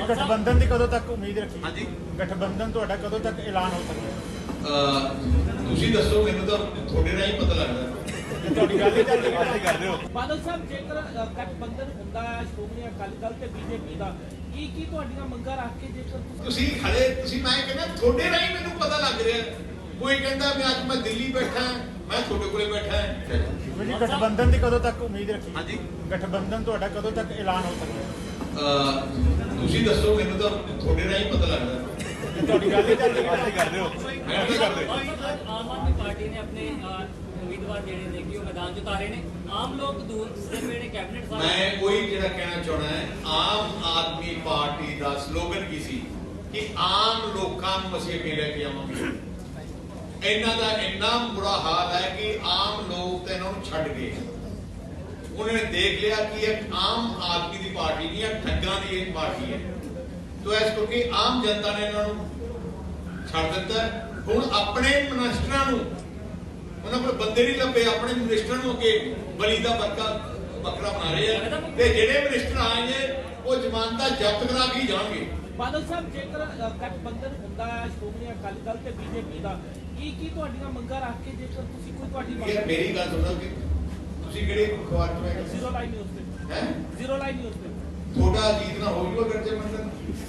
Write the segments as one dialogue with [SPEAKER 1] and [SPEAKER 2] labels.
[SPEAKER 1] गठबंधन की कदों तक उम्मीद रखी?
[SPEAKER 2] हाँ जी,
[SPEAKER 1] गठबंधन ਤੁਹਾਡਾ ਕਦੋਂ ਤੱਕ ਐਲਾਨ ਹੋ ਸਕਦਾ?
[SPEAKER 2] ਤੁਸੀਂ ਦੱਸੋ, ਮੈਨੂੰ ਤਾਂ ਤੁਹਾਡੇ ਨਾਲ ਹੀ ਪਤਾ ਲੱਗਦਾ।
[SPEAKER 1] ਤੁਹਾਡੀ ਗੱਲ ਹੀ ਚੱਲ ਰਹੀ ਕਰ ਰਹੇ ਹੋ।
[SPEAKER 3] ਬਾਦਲ ਸਾਹਿਬ, ਜੇਕਰ ਗਠਬੰਧਨ ਹੁੰਦਾ ਹੈ ਸ਼੍ਰੋਮਣੀ ਅਕਾਲੀ ਦਲ ਤੇ ਬੀਜੇਪੀ ਦਾ, ਕੀ ਤੁਹਾਡੀਆਂ ਮੰਗਾਂ ਰੱਖ ਕੇ ਜੇਕਰ
[SPEAKER 2] ਤੁਸੀਂ ਖੜੇ, ਮੈਂ ਕਹਿੰਦਾ ਤੁਹਾਡੇ ਨਾਲ ਹੀ ਮੈਨੂੰ ਪਤਾ ਲੱਗ ਰਿਹਾ। ਕੋਈ ਕਹਿੰਦਾ ਮੈਂ ਦਿੱਲੀ ਬੈਠਾ, ਮੈਂ ਤੁਹਾਡੇ ਕੋਲੇ ਬੈਠਾ ਹਾਂ।
[SPEAKER 1] ਜੀ ਗਠਬੰਧਨ ਦੀ ਕਦੋਂ ਤੱਕ ਉਮੀਦ ਰੱਖੀ?
[SPEAKER 2] ਹਾਂਜੀ,
[SPEAKER 1] ਗਠਬੰਧਨ ਤੁਹਾਡਾ ਕਦੋਂ ਤੱਕ ਐਲਾਨ ਹੋ ਸਕਦਾ?
[SPEAKER 2] ਤੁਸੀਂ ਦੱਸੋ, ਮੈਨੂੰ ਤਾਂ ਤੁਹਾਡੇ ਨਾਲ ਹੀ ਪਤਾ ਲੱਗਦਾ।
[SPEAKER 1] ਤੁਹਾਡੀ ਗੱਲ ਹੀ ਚੱਲ ਰਹੀ ਕਰ ਰਹੇ ਹੋ।
[SPEAKER 2] ਮੈਂ ਕੀ ਕਰਦੇ?
[SPEAKER 4] ਆਮ ਆਦਮੀ ਪਾਰਟੀ ਨੇ ਆਪਣੇ ਉਮੀਦਵਾਰ ਜਿਹੜੇ ਨੇ ਕਿ ਉਹ ਮੈਦਾਨ 'ਚ ਉਤਾਰੇ ਨੇ। ਆਮ ਲੋਕ ਦੂਸਰੇ ਵੇਲੇ ਕੈਬਨਿਟ ਸਾਹਿਬ
[SPEAKER 2] ਮੈਂ ਕੋਈ ਜਿਹੜਾ ਕਹਿਣਾ ਚਾਹਣਾ ਹੈ, ਆਮ ਆਦਮੀ ਪਾਰਟੀ ਦਾ ਸਲੋਗਨ ਕੀ ਸੀ ਕਿ ਆਮ ਲੋਕਾਂ ਨੂੰ ਅਸੀਂ ਅੱਗੇ ਲੈ ਕੇ ਆਵਾਂਗੇ। ਇਹਨਾਂ ਦਾ ਇੰਨਾ ਬੁਰਾ ਹਾਲ ਹੈ ਕਿ ਆਮ ਲੋਕ ਤਾਂ ਇਹਨਾਂ ਨੂੰ ਛੱਡ ਗਏ। ਉਹਨਾਂ ਨੇ ਦੇਖ ਲਿਆ ਕਿ ਇਹ ਆਮ ਆਦਮੀ ਦੀ ਪਾਰਟੀ ਨਹੀਂ ਹੈ, ਠੱਗਾਂ ਦੀ ਇਹ ਪਾਰਟੀ ਹੈ। ਤੋ ਇਸ ਕਰਕੇ ਆਮ ਜਨਤਾ ਨੇ ਇਹਨਾਂ ਨੂੰ ਛੱਡ ਦਿੱਤਾ। ਹੁਣ ਆਪਣੇ ਮਿਨਿਸਟਰਾਂ ਨੂੰ, ਉਹਨਾਂ ਕੋਲ ਬੰਦੇ ਨਹੀਂ ਲੱਭੇ, ਆਪਣੇ ਮਿਨਿਸਟਰਾਂ ਨੂੰ ਅੱਗੇ ਬਲੀ ਦਾ ਬੱਕਰਾ ਬਣਾ ਰਹੇ ਆ। ਤੇ ਜਿਹੜੇ ਮਿਨਿਸਟਰ ਆਏ ਨੇ ਉਹ ਜ਼ਮਾਨਤਾਂ ਜ਼ਬਤ ਕਰਾ ਕੇ ਜਾਣਗੇ।
[SPEAKER 3] ਬਾਦਲ ਸਾਹਿਬ, ਜੇਕਰ ਗਠਬੰਧਨ ਹੁੰਦਾ ਹੈ ਸ਼੍ਰੋਮਣੀ ਅਕਾਲੀ ਦਲ ਤੇ ਬੀਜੇਪੀ ਦਾ, ਕੀ ਤੁਹਾਡੀਆਂ ਮੰਗਾਂ ਰੱਖ ਕੇ ਜੇਕਰ ਤੁਸੀਂ ਕੋਈ ਤੁਹਾਡੀ
[SPEAKER 2] ਯਾਰ ਮੇਰੀ ਗੱਲ ਸੁਣੋ ਕਿ ਤੁਸੀਂ ਕਿਹੜੇ ਅਖਬਾਰ ਚ ਮੈਂ
[SPEAKER 3] ਜ਼ੀਰੋ ਲਾਈਨ ਨਿਊਜ਼ ਤੇ
[SPEAKER 2] ਹੈ
[SPEAKER 3] ਜ਼ੀਰੋ ਲਾਈਨ ਨਿਊਜ਼ ਤੇ
[SPEAKER 2] ਤੁਹਾਡਾ ਅਜੀਤ ਨਾ ਹੋ ਜੂਗਾ ਗੱਜੇ ਮੰਡਲ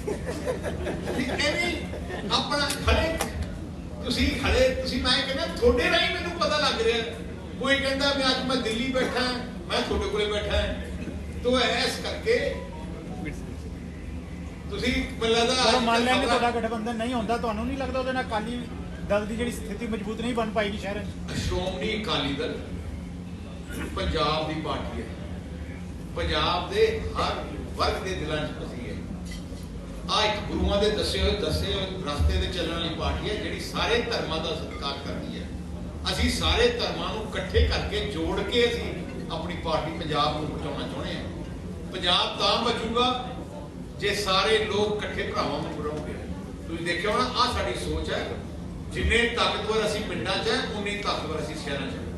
[SPEAKER 2] ਐਵੇਂ ਆਪਣਾ ਖੜੇ, ਤੁਸੀਂ ਮੈਂ ਕਹਿੰਦਾ ਤੁਹਾਡੇ ਨਾਲ ਹੀ ਮੈਨੂੰ ਪਤਾ ਲੱਗ ਰਿਹਾ। ਕੋਈ ਕਹਿੰਦਾ ਮੈਂ ਦਿੱਲੀ ਬੈਠਾ, ਮੈਂ ਤੁਹਾਡੇ ਕੋਲੇ ਬੈਠਾ ਹਾਂ। ਤੋ ਐਸ ਕਰਕੇ ਤੁਸੀਂ ਮੈਨੂੰ ਲੱਗਦਾ
[SPEAKER 1] ਮੰਨ ਲਿਆ ਕਿ ਤੁਹਾਡਾ ਗਠਬੰਧਨ ਨਹੀਂ ਹੁੰਦਾ, ਤੁਹਾਨੂੰ ਨਹੀਂ ਲੱਗਦਾ ਉਹਦੇ ਨਾਲ ਅਕਾਲੀ ਦਲ ਦੀ ਜਿਹੜੀ ਸਥਿਤੀ ਮਜ਼ਬੂਤ ਨਹੀਂ ਬਣ ਪਾਏਗੀ ਸ਼ਹਿਰ ਵਿੱਚ?
[SPEAKER 2] ਸ਼੍ਰੋਮਣੀ ਅਕਾਲੀ ਦਲ ਪੰਜਾਬ ਦੀ ਪਾਰਟੀ ਹੈ, ਪੰਜਾਬ ਦੇ ਹਰ ਵਰਗ ਦੇ ਦਿਲਾਂ 'ਚ ਵਸੀ ਹੈ। ਆ ਇੱਕ ਗੁਰੂਆਂ ਦੇ ਦੱਸੇ ਹੋਏ ਰਸਤੇ ਤੇ ਚੱਲਣ ਵਾਲੀ ਪਾਰਟੀ ਹੈ, ਜਿਹੜੀ ਸਾਰੇ ਧਰਮਾਂ ਦਾ ਸਤਿਕਾਰ ਕਰਦੀ ਹੈ। ਅਸੀਂ ਸਾਰੇ ਧਰਮਾਂ ਨੂੰ ਇਕੱਠੇ ਕਰਕੇ ਜੋੜ ਕੇ ਅਸੀਂ ਆਪਣੀ ਪਾਰਟੀ ਪੰਜਾਬ ਨੂੰ ਬਚਾਉਣਾ ਚਾਹੁੰਦੇ ਹਾਂ। ਪੰਜਾਬ ਤਾਂ ਬਚੂਗਾ ਜੇ ਸਾਰੇ ਲੋਕ ਇਕੱਠੇ ਭਰਾਵਾਂ ਨੂੰ ਬਣਾਉਣਗੇ। ਤੁਸੀਂ ਦੇਖਿਆ ਹੋਣਾ, ਆਹ ਸਾਡੀ ਸੋਚ ਹੈ। ਜਿੰਨੇ ਤਾਕਤਵਰ ਅਸੀਂ ਪਿੰਡਾਂ 'ਚ ਹੈ, ਉਨੀ ਤਾਕਤਵਰ ਅਸੀਂ ਸ਼ਹਿਰਾਂ 'ਚ।